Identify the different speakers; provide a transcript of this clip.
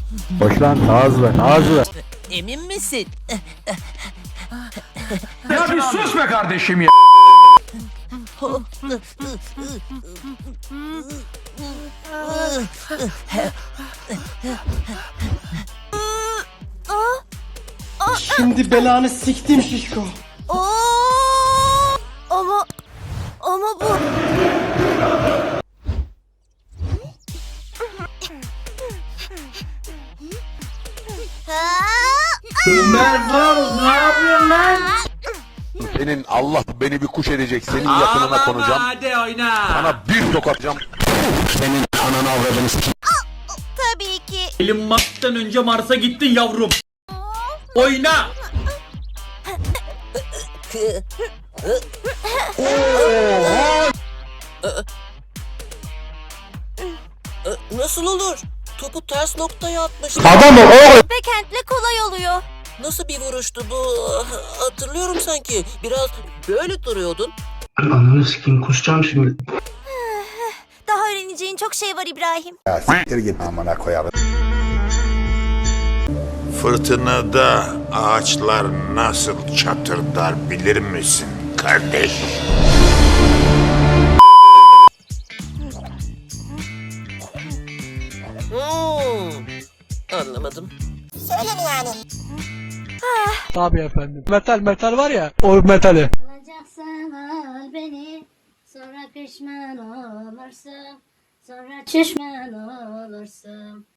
Speaker 1: Boş lan, daha hızlı, daha hızlı.
Speaker 2: Emin misin?
Speaker 3: Ya bir sus be kardeşim ya.
Speaker 4: Şimdi belanı siktim şişko.
Speaker 5: Ama bu...
Speaker 4: Ömer Faruk ne yapıyorsun lan?
Speaker 6: Senin Allah beni bir kuş edecek. Senin yakınına konacağım.
Speaker 3: Hadi oyna.
Speaker 6: Sana bir tokatacağım. Senin ananı avradını sikeyim.
Speaker 5: Tabii ki.
Speaker 3: Elon Musk'tan önce Mars'a gittin yavrum. Oyna.
Speaker 2: Nasıl olur? Topu ters noktaya atmış.
Speaker 1: Adam ol oğlum.
Speaker 5: Backhand'le kolay oluyor.
Speaker 2: Nasıl bir vuruştu bu? Hatırlıyorum sanki. Biraz böyle duruyordun.
Speaker 4: Ananı sikeyim kusacağım şimdi.
Speaker 5: Daha öğreneceğin çok şey var İbrahim.
Speaker 6: Ya siktir git amına koyarım.
Speaker 7: Fırtınada ağaçlar nasıl çatırdar bilir misin kardeş?
Speaker 2: Anlamadım.
Speaker 1: Tabii efendim. Metal var ya, o metali.
Speaker 8: Alacaksan al beni, sonra pişman olursun, sonra pişman olursun.